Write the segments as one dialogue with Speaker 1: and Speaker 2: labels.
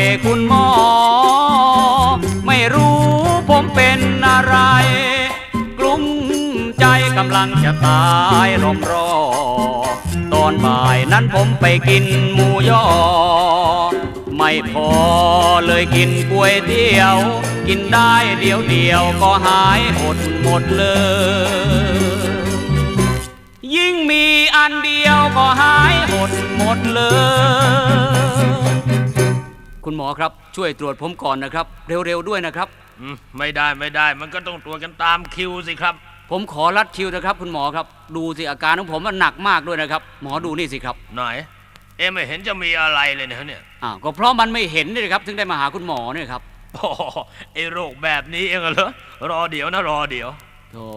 Speaker 1: คุณหมอไม่รู้ผมเป็นอะไรกลุ้มใจกำลังจะตายรอมรอตอนบ่ายนั้นผมไปกินหมูยอไม่พอเลยกินก๋วยเตี๋ยวกินได้เดียวก็หายหมดเลยยิ่งมีอันเดียวก็หายหมดเลยคุณหมอครับช่วยตรวจผมก่อนนะครับเร็วๆด้วยนะครับ
Speaker 2: ไม่ได้มันก็ต้องตรวจกันตามคิวสิครับ
Speaker 1: ผมขอรัดคิวนะครับคุณหมอครับดูสิอาการของผมมันหนักมากด้วยนะครับหมอดูนี่สิครับ
Speaker 2: ไหนไม่เห็นจะมีอะไรเลยเนี่ย
Speaker 1: ก็เพราะมันไม่เห็นนี่ครับถึงได้มาหาคุณหมอเนี่ยครับ
Speaker 2: โรคแบบนี้เองเหรอรอเดี๋ยว
Speaker 1: โธ่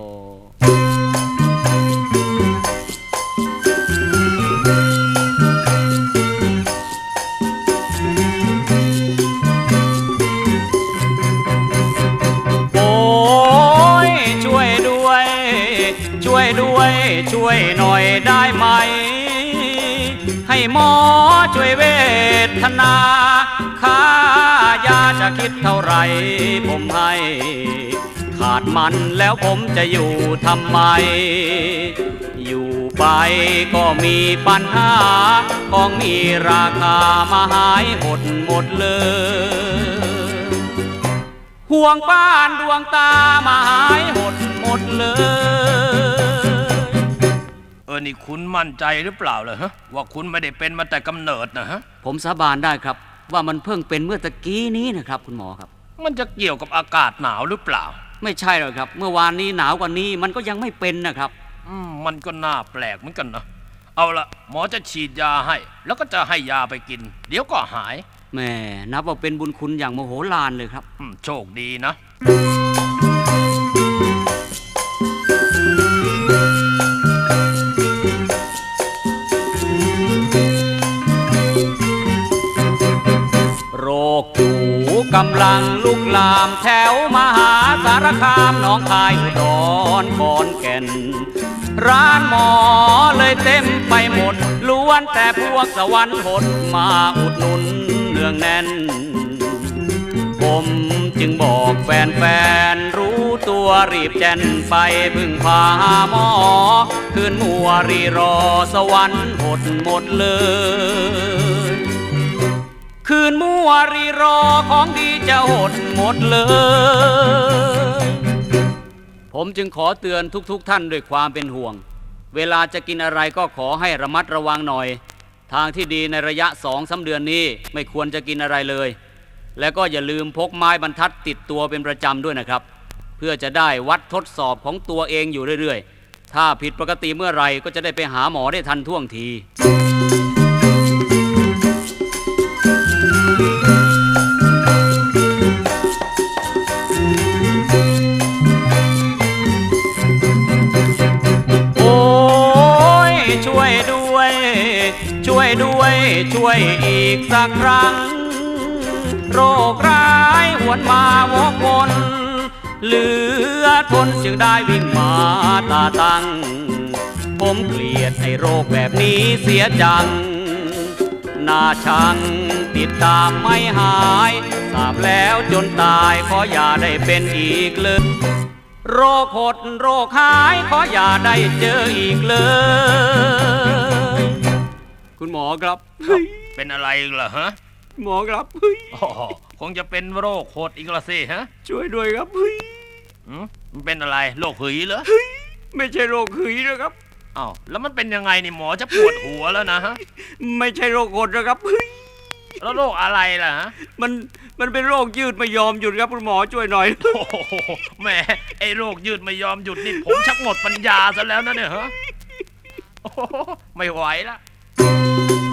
Speaker 1: ช่วยหน่อยได้ไหมให้หมอช่วยเวทนาค่ายาจะคิดเท่าไรผมให้ขาดมันแล้วผมจะอยู่ทำไมอยู่ไปก็มีปัญหาของมีราคามาหายหมดเลยห่วงบ้านดวงตามาหายหมดเลย
Speaker 2: นี่คุณมั่นใจหรือเปล่าเลยฮะว่าคุณไม่ได้เป็นมาแต่กำเนิดนะฮะ
Speaker 1: ผมสาบานได้ครับว่ามันเพิ่งเป็นเมื่อตะกี้นี้นะครับคุณหมอครับ
Speaker 2: มันจะเกี่ยวกับอากาศหนาวหรือเปล่า
Speaker 1: ไม่ใช่หรอกครับเมื่อวานนี้หนาวกว่านี้มันก็ยังไม่เป็นนะครับ
Speaker 2: มันก็น่าแปลกเหมือนกันนะเอาละหมอจะฉีดยาให้แล้วก็จะให้ยาไปกินเดี๋ยวก็หาย
Speaker 1: แม่นับว่าเป็นบุญคุณอย่างโมโหลานเลยครับ
Speaker 2: โชคดีนะ
Speaker 1: โรคอยู่กำลังลุกลามแถวมหาสารคามหนองคายอุดรขอนแก่นร้านหมอเลยเต็มไปหมดล้วนแต่พวกสวรรค์หดมาอุดหนุนเนืองแน่นผมจึงบอกแฟนรู้ตัวรีบแจ่นไปพึ่งพาหมอคืนมัวรีรอสวรรค์หมดเลยคืนมัวรีรอของดีจะหมดเลยผมจึงขอเตือนทุกท่านด้วยความเป็นห่วงเวลาจะกินอะไรก็ขอให้ระมัดระวังหน่อยทางที่ดีในระยะ 2-3 เดือนนี้ไม่ควรจะกินอะไรเลยแล้วก็อย่าลืมพกไม้บรรทัดติดตัวเป็นประจำด้วยนะครับเพื่อจะได้วัดทดสอบของตัวเองอยู่เรื่อยๆถ้าผิดปกติเมื่อไหร่ก็จะได้ไปหาหมอได้ทันท่วงทีช่วยอีกสักครั้งโรคร้ายหวนมาวกวนเหลือทนจึงได้วิ่งมาตาตั้งผมเกลียดให้โรคแบบนี้เสียจังน่าชังติดตามไม่หายทราบแล้วจนตายขออย่าได้เป็นอีกเลยโรคหดโรคหายขออย่าได้เจออีกเลยคุณหมอครับ
Speaker 2: เป็นอะไรเหรอฮะ
Speaker 1: หมอครับ
Speaker 2: คงจะเป็นโรคโหดอีกละสิฮะ
Speaker 1: ช่วยด้วยครับ
Speaker 2: มันเป็นอะไรโรคหืดเหรอ
Speaker 1: ไม่ใช่โรคหืดนะครับ
Speaker 2: แล้วมันเป็นยังไงนี่หมอจะปวดหัวแล้วนะฮะ
Speaker 1: ไม่ใช่โรคหดนะครับ
Speaker 2: แล้วโรคอะไรล่ะฮะ
Speaker 1: มันเป็นโรคยืดไม่ยอมหยุดครับคุณหมอช่วยหน่อย
Speaker 2: แหมไอ้โรคยืดไม่ยอมหยุดนี่ผมชักหมดปัญญาซะแล้วนะเนี่ยฮะไม่ไหวละ